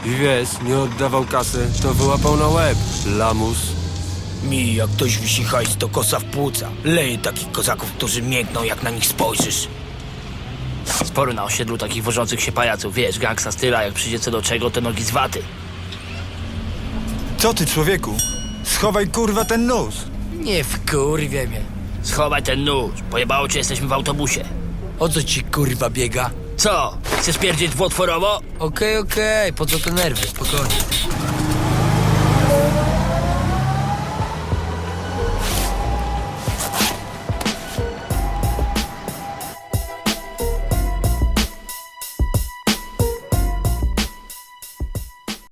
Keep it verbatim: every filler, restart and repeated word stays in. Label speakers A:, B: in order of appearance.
A: I wiesz, nie oddawał kasy, to wyłapał na łeb. Lamus.
B: Mi, jak ktoś wisi hajs, to kosa w płuca. Leje takich kozaków, którzy miękną, jak na nich spojrzysz.
C: Sporo na osiedlu takich wożących się pajaców, wiesz, gangsta styla, jak przyjdzie co do czego, to nogi z waty.
D: Co ty, człowieku? Schowaj kurwa ten nóż.
B: Nie wkurwie mnie.
C: Schowaj ten nóż, pojebało cię, jesteśmy w autobusie.
B: O co ci kurwa biega?
C: Co? Chcesz pierdzieć dwutworowo?
B: Okej, okej, po co te nerwy, spokojnie.